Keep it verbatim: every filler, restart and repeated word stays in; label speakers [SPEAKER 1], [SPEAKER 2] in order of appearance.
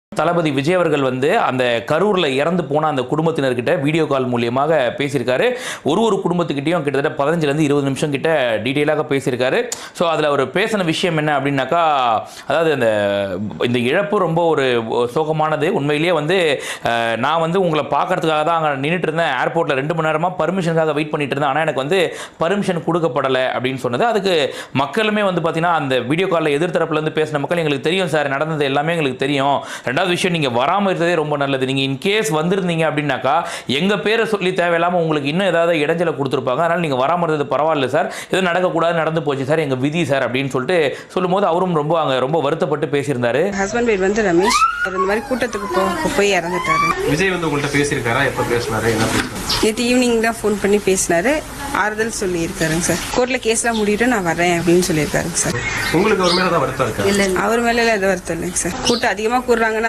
[SPEAKER 1] தளபதி விஜய் அவர்கள் வந்து அந்த கரூரில் இறந்து போன அந்த குடும்பத்தினர்கிட்ட வீடியோ கால் மூலியமாக பேசியிருக்காரு. ஒரு ஒரு குடும்பத்துக்கிட்டையும் கிட்டத்தட்ட பதினஞ்சுலேருந்து இருபது நிமிஷம் கிட்ட டீட்டெயிலாக பேசியிருக்காரு. ஸோ அதில் அவர் பேசின விஷயம் என்ன அப்படின்னாக்கா, அதாவது அந்த இந்த இழப்பு ரொம்ப ஒரு சோகமானது. உண்மையிலேயே வந்து நான் வந்து உங்களை பார்க்கறதுக்காக தான் அங்கே நின்றுட்டு இருந்தேன். ஏர்போர்ட்டில் ரெண்டு மணி நேரமாக பர்மிஷனுக்காக வெயிட் பண்ணிட்டு இருந்தேன். ஆனால் எனக்கு வந்து பர்மிஷன் கொடுக்கப்படலை அப்படின்னு சொன்னது. அதுக்கு மக்களுமே வந்து பார்த்தீங்கன்னா அந்த வீடியோ காலில் எதிர்த்தரப்புலேருந்து பேசின மக்கள், எங்களுக்கு தெரியும் சார், நடந்தது எல்லாமே எங்களுக்கு தெரியும். ரெண்டாவது விஷயம், நீங்கள் வராமல் இருந்ததே ரொம்ப நல்லது. நீங்கள் இன்கேஸ் வந்திருந்தீங்க அப்படின்னாக்கா எங்கள் பேரை சொல்லி தேவையில்லாமல் உங்களுக்கு இன்னும் ஏதாவது இடைஞ்சலை கொடுத்துருப்பாங்க. அதனால் நீங்கள் வராமல் இருந்தது பரவாயில்ல சார், எதுவும் நடக்கக்கூடாது, நடந்து போச்சு சார், எங்கள் விதி சார் அப்படின்னு சொல்லிட்டு சொல்லும்போது அவரும் ரொம்ப அங்கே ரொம்ப வருத்தப்பட்டு பேசியிருந்தாரு.
[SPEAKER 2] ஹஸ்பண்ட் பேர் வந்து ரமேஷ். அவர் இந்த மாதிரி கூட்டத்துக்கு போ போய் இறந்துட்டாரு.
[SPEAKER 3] விஜய் வந்து உங்கள்கிட்ட பேசியிருக்காரா? எப்போ பேசினாரு? என்ன பேசினாரு?
[SPEAKER 2] நேற்று ஈவினிங் தான் ஃபோன் பண்ணி பேசினாரு. ஆறுதல் சொல்லியிருக்காருங்க சார். கோர்ட்டில் கேஸ்லாம் முடிவிட்டு நான் வரேன் அப்படின்னு சொல்லியிருக்காருங்க சார்.
[SPEAKER 3] உங்களுக்கு அவர் மேலே தான் வருத்தம் இருக்கா?
[SPEAKER 2] இல்லை, அவர் மேலே எதுவும் வருத்தம் இல்லைங்க சார். கூட்டம் அதிகமாக கூடுறாங்கன்னா